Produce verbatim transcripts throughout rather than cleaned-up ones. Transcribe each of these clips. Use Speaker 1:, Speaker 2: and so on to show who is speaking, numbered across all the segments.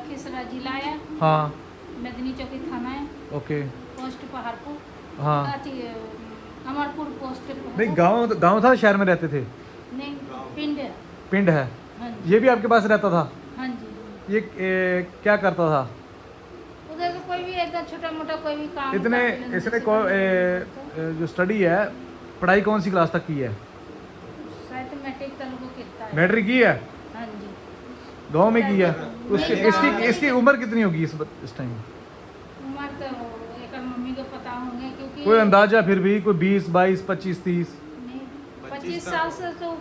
Speaker 1: लखीसराय जिला है।
Speaker 2: हाँ
Speaker 1: मेदनी चौकी थाना है।
Speaker 2: Okay
Speaker 1: post Paharpur.
Speaker 2: हाँ
Speaker 1: अथी अमरपुर पोस्ट।
Speaker 2: नहीं गांव गांव था शहर में रहते थे?
Speaker 1: नहीं पिंड है।
Speaker 2: पिंड है।
Speaker 1: हाँ जी।
Speaker 2: ये भी आपके पास रहता था?
Speaker 1: हाँ जी।
Speaker 2: ये ए, क्या करता था?
Speaker 1: उधर से कोई भी ऐसा छोटा मोटा कोई भी काम
Speaker 2: इतने
Speaker 1: कर लेने
Speaker 2: इसने
Speaker 1: से
Speaker 2: को
Speaker 1: कोई-
Speaker 2: ए, ए, जो स्टडी है, पढ़ाई कौन सी क्लास तक की है?
Speaker 1: शायद मैट्रिक तक को कितना है।
Speaker 2: मैट्रिक की है?
Speaker 1: हाँ जी।
Speaker 2: गांव में की है? उसकी
Speaker 1: नहीं,
Speaker 2: इसकी
Speaker 1: गाँव में
Speaker 2: इसकी उम्र कितनी होगी इस इस टाइम?
Speaker 1: उम्र तो एक मम्मी को पता होंगे क्योंकि
Speaker 2: कोई अंदाजा फिर भी कोई बीस बाईस पच्चीस तीस?
Speaker 1: नहीं पच्चीस साल से तो।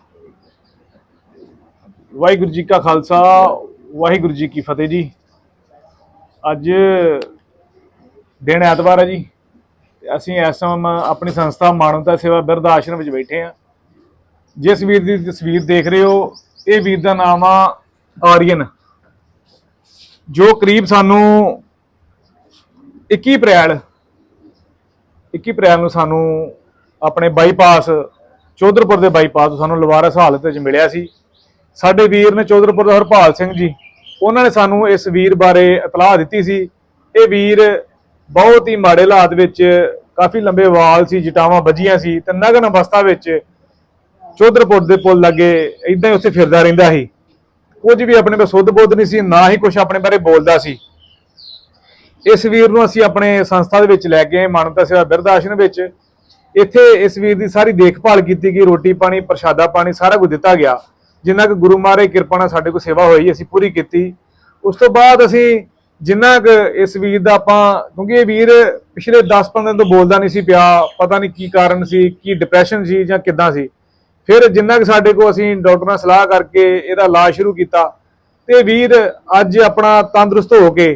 Speaker 2: ਵਾਹਿਗੁਰੂ ਜੀ ਕਾ ਖਾਲਸਾ ਵਾਹਿਗੁਰੂ ਜੀ ਕੀ ਫਤਿਹ ਜੀ। ਅੱਜ ਦਿਨ ਐਤਵਾਰ ਹੈ ਜੀ। ਅਸੀਂ ਇਸ ਟਾਈਮ ਆਪਣੀ ਸੰਸਥਾ ਮਾਨਵਤਾ ਸੇਵਾ ਬਿਰਧ ਆਸ਼ਰਮ ਵਿੱਚ ਬੈਠੇ ਹਾਂ। ਜਿਸ ਵੀਰ ਦੀ ਤਸਵੀਰ ਦੇਖ ਰਹੇ ਹੋ, ਇਹ ਵੀਰ ਦਾ ਨਾਮ ਆ ਆਰੀਅਨ, ਜੋ ਕਰੀਬ ਸਾਨੂੰ ਇੱਕੀ ਅਪ੍ਰੈਲ ਇੱਕੀ ਅਪ੍ਰੈਲ ਨੂੰ ਸਾਨੂੰ ਆਪਣੇ ਬਾਈਪਾਸ ਚੌਧਰਪੁਰ ਦੇ ਬਾਈਪਾਸ ਤੋਂ ਸਾਨੂੰ ਲਵਾਰਸ ਹਾਲਤ ਵਿੱਚ ਮਿਲਿਆ ਸੀ। ਸਾਡੇ ਵੀਰ ਨੇ ਚੌਧਰਪੁਰ ਦਾ ਹਰਪਾਲ ਸਿੰਘ ਜੀ, ਉਹਨਾਂ ਨੇ ਸਾਨੂੰ ਇਸ ਵੀਰ ਬਾਰੇ ਇਤਲਾਹ ਦਿੱਤੀ ਸੀ। ਇਹ ਵੀਰ ਬਹੁਤ ਹੀ ਮਾੜੇ ਹਾਲਾਤ ਵਿੱਚ, ਕਾਫੀ ਲੰਬੇ ਵਾਲ ਸੀ, ਜਟਾਵਾਂ ਵੱਜੀਆਂ ਸੀ ਤੇ ਨਗਨ ਅਵਸਥਾ ਵਿੱਚ ਚੌਧਰਪੁਰ ਦੇ ਪੁਲ ਲੱਗੇ ਇਦਾਂ ਹੀ ਉੱਥੇ ਫਿਰਦਾ ਰਹਿੰਦਾ ਸੀ। ਕੁਝ ਵੀ ਆਪਣੇ ਕੋਲ ਸੁੱਧ ਬੁੱਧ ਨਹੀਂ ਸੀ, ਨਾ ਹੀ ਕੁਝ ਆਪਣੇ ਬਾਰੇ ਬੋਲਦਾ ਸੀ। ਇਸ ਵੀਰ ਨੂੰ ਅਸੀਂ ਆਪਣੇ ਸੰਸਥਾ ਦੇ ਵਿੱਚ ਲੈ ਕੇ ਮਾਨਵਤਾ ਸੇਵਾ ਬਿਰਧ ਆਸ਼ਰਮ ਵਿੱਚ, ਇੱਥੇ ਇਸ ਵੀਰ ਦੀ ਸਾਰੀ ਦੇਖਭਾਲ ਕੀਤੀ ਗਈ, ਰੋਟੀ ਪਾਣੀ ਪ੍ਰਸ਼ਾਦਾ ਪਾਣੀ ਸਾਰਾ ਕੁਝ ਦਿੱਤਾ ਗਿਆ। ਜਿੰਨਾ ਕੁ ਗੁਰੂ ਮਹਾਰਾਜ ਦੀ ਕਿਰਪਾ ਨਾਲ ਸਾਡੇ ਕੋਲ ਸੇਵਾ ਹੋਈ ਅਸੀਂ ਪੂਰੀ ਕੀਤੀ। ਉਸ ਤੋਂ ਬਾਅਦ ਅਸੀਂ ਜਿੰਨਾ ਕੁ ਇਸ ਵੀਰ ਦਾ ਆਪਾਂ, ਕਿਉਂਕਿ ਇਹ ਵੀਰ ਪਿਛਲੇ ਦਸ ਪੰਦਰਾਂ ਦਿਨ ਤੋਂ ਬੋਲਦਾ ਨਹੀਂ ਸੀ ਪਿਆ, ਪਤਾ ਨਹੀਂ ਕੀ ਕਾਰਨ ਸੀ, ਕੀ ਡਿਪਰੈਸ਼ਨ ਸੀ ਜਾਂ ਕਿੱਦਾਂ ਸੀ। ਫਿਰ ਜਿੰਨਾ ਕੁ ਸਾਡੇ ਕੋਲ ਅਸੀਂ ਡਾਕਟਰ ਨਾਲ ਸਲਾਹ ਕਰਕੇ ਇਹਦਾ ਇਲਾਜ ਸ਼ੁਰੂ ਕੀਤਾ ਤੇ ਵੀਰ ਅੱਜ ਆਪਣਾ ਤੰਦਰੁਸਤ ਹੋ ਕੇ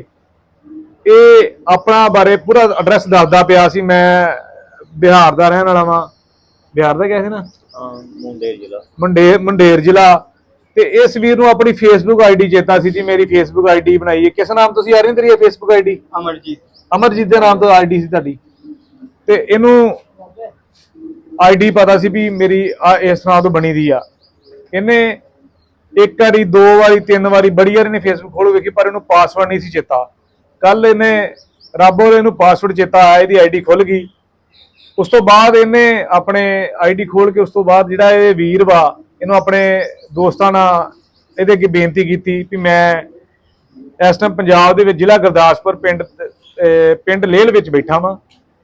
Speaker 2: ਇਹ ਆਪਣਾ ਬਾਰੇ ਪੂਰਾ ਐਡਰੈਸ ਦੱਸਦਾ ਪਿਆ ਸੀ। ਮੈਂ ਬਿਹਾਰ ਦਾ ਰਹਿਣ ਵਾਲਾ ਵਾਂ। ਬਿਹਾਰ ਦਾ ਕਿਹਾ ਸੀ ਨਾ?
Speaker 3: ਮੁੰਡੇਰ ਜ਼ਿਲ੍ਹਾ।
Speaker 2: ਮੰਡੇਰ ਮੰਡੇਰ ਜ਼ਿਲ੍ਹਾ। ਤੇ ਇਸ ਵੀਰ ਨੂੰ ਆਪਣੀ ਫੇਸਬੁੱਕ ਆਈਡੀ ਚੇਤਾ ਸੀ ਜੀ, ਮੇਰੀ ਫੇਸਬੁੱਕ ਆਈਡੀ ਬਣਾਈ ਹੈ। ਕਿਸ ਨਾਮ ਤੁਸੀਂ ਆ ਰਹੇ ਤੇਰੀ ਫੇਸਬੁੱਕ ਆਈਡੀ?
Speaker 3: ਅਮਰਜੀਤ।
Speaker 2: ਅਮਰਜੀਤ ਦੇ ਨਾਮ ਤੋਂ ਆਈਡੀ ਸੀ ਤੁਹਾਡੀ। ਤੇ ਇਹਨੂੰ ਆਈਡੀ ਪਤਾ ਸੀ ਵੀ ਮੇਰੀ ਆ ਇਸ ਨਾਮ ਤੋਂ ਬਣੀ ਦੀ ਆ। ਇਹਨੇ ਇੱਕ ਵਾਰੀ ਦੋ ਵਾਰੀ ਤਿੰਨ ਵਾਰੀ ਬੜੀ ਵਾਰ ਇਹਨੇ ਫੇਸਬੁੱਕ ਖੋਲ ਵੇਖੀ, ਪਰ ਇਹਨੂੰ ਪਾਸਵਰਡ ਨਹੀਂ ਸੀ ਚੇਤਾ। ਕੱਲ ਇਹਨੇ ਰੱਬ ਵੱਲੋਂ ਇਹਨੂੰ ਪਾਸਵਰਡ ਚੇਤਾ ਆਇਆ, ਇਹਦੀ ਆਈਡੀ ਖੁੱਲ ਗਈ। ਉਸ ਤੋਂ ਬਾਅਦ ਇਹਨੇ ਆਪਣੇ ਆਈਡੀ ਖੋਲ ਕੇ ਉਸ ਤੋਂ ਬਾਅਦ ਜਿਹੜਾ ਇਹ ਵੀਰ ਵਾ, ਇਹਨੂੰ ਆਪਣੇ ਦੋਸਤਾਂ ਨਾਲ ਇਹਦੇ ਅੱਗੇ ਬੇਨਤੀ ਕੀਤੀ ਵੀ ਮੈਂ ਇਸ ਟਾਈਮ ਪੰਜਾਬ ਦੇ ਵਿੱਚ ਜ਼ਿਲ੍ਹਾ ਗੁਰਦਾਸਪੁਰ ਪਿੰਡ ਪਿੰਡ ਲੇਲ ਵਿੱਚ ਬੈਠਾ ਵਾਂ।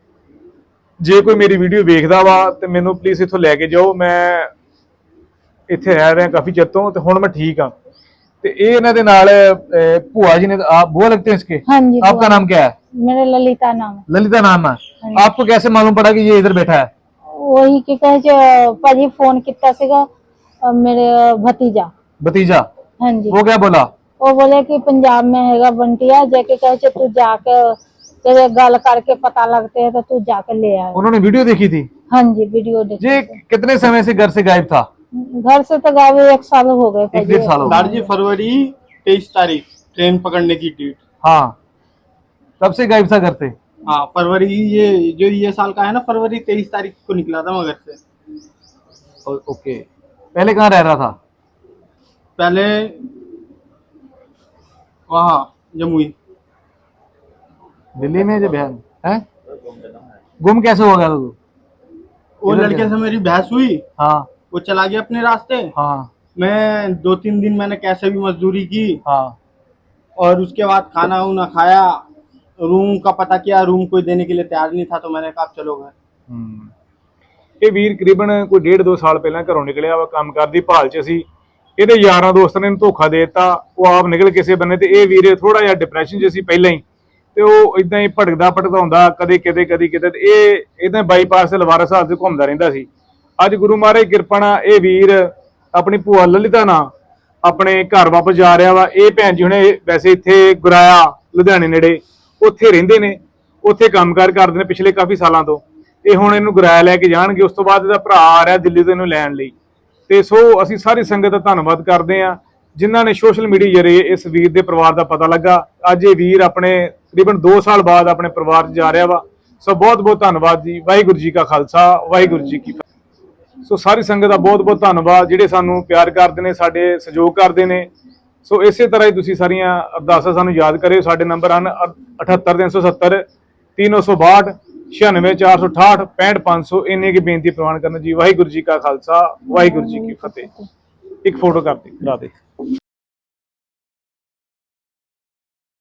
Speaker 2: ਜੇ ਕੋਈ ਮੇਰੀ ਵੀਡੀਓ ਵੇਖਦਾ ਵਾ ਤੇ ਮੈਨੂੰ ਪਲੀਜ਼ ਇੱਥੋਂ ਲੈ ਕੇ ਜਾਓ। ਮੈਂ ਇੱਥੇ ਰਹਿ ਰਿਹਾ ਕਾਫੀ ਚਿਰ ਤੋਂ ਤੇ ਹੁਣ ਮੈਂ ਠੀਕ ਹਾਂ। ਤੇ ਇਹ ਇਹਨਾਂ ਦੇ ਨਾਲ ਭੂਆ जी ने आप बुआ लगते हैं इसके?
Speaker 4: हाँ जी।
Speaker 2: आपका नाम क्या है?
Speaker 4: मेरा ललिता नाम है।
Speaker 2: ललिता नाम है। आपको कैसे मालूम पड़ा कि ये इधर बैठा है?
Speaker 4: वही की कहे जो पाजी फोन कितना सीगा मेरे भतीजा
Speaker 2: भतीजा?
Speaker 4: हाँ जी।
Speaker 2: वो क्या बोला?
Speaker 4: वो बोले कि पंजाब में हैगा बंटिया, जाके कहे जो तू जाके तेरे गल करके पता लगते है तो तू जाके ले आए।
Speaker 2: उन्होंने वीडियो देखी थी?
Speaker 4: हाँ जी वीडियो देखी।
Speaker 2: ये कितने समय से घर से गायब था?
Speaker 4: घर से तो गायब एक साल हो गए।
Speaker 2: एक डेढ़ साल हो गए।
Speaker 3: जी फरवरी तेईस तारीख ट्रेन पकड़ने की डेट।
Speaker 2: हाँ तब से गायब था घर से?
Speaker 3: हाँ फरवरी, ये जो ये साल का है ना, फरवरी तेईस तारीख को निकला था मगर से।
Speaker 2: Oh, okay. पहले कहाँ रह रहा था?
Speaker 3: पहले वहाँ जमुई।
Speaker 2: दिल्ली में जब बिहार है? गुम कैसे हो गया था तू?
Speaker 3: वो लड़के से मेरी बहस हुई,
Speaker 2: हाँ
Speaker 3: वो चला गया अपने रास्ते।
Speaker 2: हाँ
Speaker 3: मैं दो तीन दिन मैंने कैसे भी मजदूरी की
Speaker 2: हाँ
Speaker 3: और उसके बाद खाना वाना खाया, रूम का पता किया, रूम कोई देने के लिए तैयार नहीं था तो मैंने कहा चलो घर।
Speaker 2: ਇਹ ਵੀਰ ਕਰੀਬਨ ਕੋਈ ਡੇਢ ਦੋ ਸਾਲ ਪਹਿਲਾਂ ਘਰੋਂ ਨਿਕਲਿਆ ਵਾ, ਕੰਮ ਕਰਦੀ ਭਾਲ 'ਚ ਸੀ। ਇਹਦੇ ਯਾਰਾਂ ਦੋਸਤਾਂ ਨੇ ਇਹਨੂੰ ਧੋਖਾ ਦੇ ਦਿੱਤਾ, ਉਹ ਆਪ ਨਿਕਲ ਕਿਸੇ ਬੰਨੇ। ਤੇ ਇਹ ਵੀਰ ਥੋੜਾ ਜਿਹਾ ਡਿਪਰੈਸ਼ਨ 'ਚ ਸੀ ਪਹਿਲਾਂ ਹੀ, ਤੇ ਉਹ ਇਦਾਂ ਹੀ ਭਟਕਦਾ ਭਟਕਾਉਂਦਾ ਕਦੇ ਕਿਤੇ ਕਦੀ ਕਿਤੇ। ਤੇ ਇਹ ਇਦਾਂ ਬਾਈਪਾਸ ਤੇ ਲਵਾਰਸ ਹਾਲਤ 'ਚ ਘੁੰਮਦਾ ਰਹਿੰਦਾ ਸੀ। ਅੱਜ ਗੁਰੂ ਮਹਾਰਾਜ ਦੀ ਕਿਰਪਾ ਨਾਲ ਇਹ ਵੀਰ ਆਪਣੀ ਭੂਆ ਲਲਿਤਾ ਨਾਲ ਆਪਣੇ ਘਰ ਵਾਪਸ ਜਾ ਰਿਹਾ ਵਾ। ਇਹ ਭੈਣ ਜੀ ਹੁਣੇ ਵੈਸੇ ਇੱਥੇ ਗੁਰਾਇਆ ਲੁਧਿਆਣੇ ਨੇੜੇ ਉੱਥੇ ਰਹਿੰਦੇ ਨੇ, ਉੱਥੇ ਕੰਮਕਾਰ ਕਰਦੇ ਨੇ ਪਿਛਲੇ ਕਾਫੀ ਸਾਲਾਂ ਤੋਂ। ਇਹ ਹੁਣ ਇਹਨੂੰ ਗੁਰਾਇਆ ਲੈ ਕੇ ਜਾਣਗੇ। ਉਸ ਤੋਂ ਬਾਅਦ ਇਹਦਾ ਭਰਾ ਆ ਰਿਹਾ ਦਿੱਲੀ ਤੋਂ ਇਹਨੂੰ ਲੈਣ ਲਈ। ਤੇ ਸੋ ਅਸੀਂ ਸਾਰੀ ਸੰਗਤ ਦਾ ਧੰਨਵਾਦ ਕਰਦੇ ਹਾਂ ਜਿਨ੍ਹਾਂ ਨੇ ਸੋਸ਼ਲ ਮੀਡੀਆ ਜ਼ਰੀਏ ਇਸ ਵੀਰ ਦੇ ਪਰਿਵਾਰ ਦਾ ਪਤਾ ਲੱਗਾ। ਅੱਜ ਇਹ ਵੀਰ ਆਪਣੇ ਤਕਰੀਬਨ ਦੋ ਸਾਲ ਬਾਅਦ ਆਪਣੇ ਪਰਿਵਾਰ 'ਚ ਜਾ ਰਿਹਾ ਵਾ। ਸੋ ਬਹੁਤ ਬਹੁਤ ਧੰਨਵਾਦ ਜੀ। ਵਾਹਿਗੁਰੂ ਜੀ ਕਾ ਖਾਲਸਾ ਵਾਹਿਗੁਰੂ ਜੀ ਕੀ ਫਤਿਹ। ਸੋ ਸਾਰੀ ਸੰਗਤ ਦਾ ਬਹੁਤ ਬਹੁਤ ਧੰਨਵਾਦ ਜਿਹੜੇ ਸਾਨੂੰ ਪਿਆਰ ਕਰਦੇ ਨੇ, ਸਾਡੇ ਸਹਿਯੋਗ ਕਰਦੇ ਨੇ। ਸੋ ਇਸੇ ਤਰ੍ਹਾਂ ਹੀ ਤੁਸੀਂ ਸਾਰੀਆਂ ਅਰਦਾਸਾਂ ਸਾਨੂੰ ਯਾਦ ਕਰਿਓ। ਸਾਡੇ ਨੰਬਰ ਹਨ ਅਠੱਤਰ ਤਿੰਨ ਸੌ ਸੱਤਰ ਤਿੰਨ ਸੌ ਬਾਹਠ ਛਿਆਨਵੇਂ ਚਾਰ ਸੌ ਅਠਾਹਠ ਪੈਂਹਠ ਪੰਜ ਸੌ। ਇੰਨੀ ਕੀ ਬੇਨਤੀ ਪ੍ਰਵਾਨ ਕਰਨਾ ਜੀ। ਵਾਹਿਗੁਰੂ ਜੀ ਕਾ ਖਾਲਸਾ ਵਾਹਿਗੁਰੂ ਜੀ ਕੀ ਫਤਿਹ। ਇੱਕ ਫੋਟੋ ਕਰ ਦੇ ਕਰਾ ਦੇ।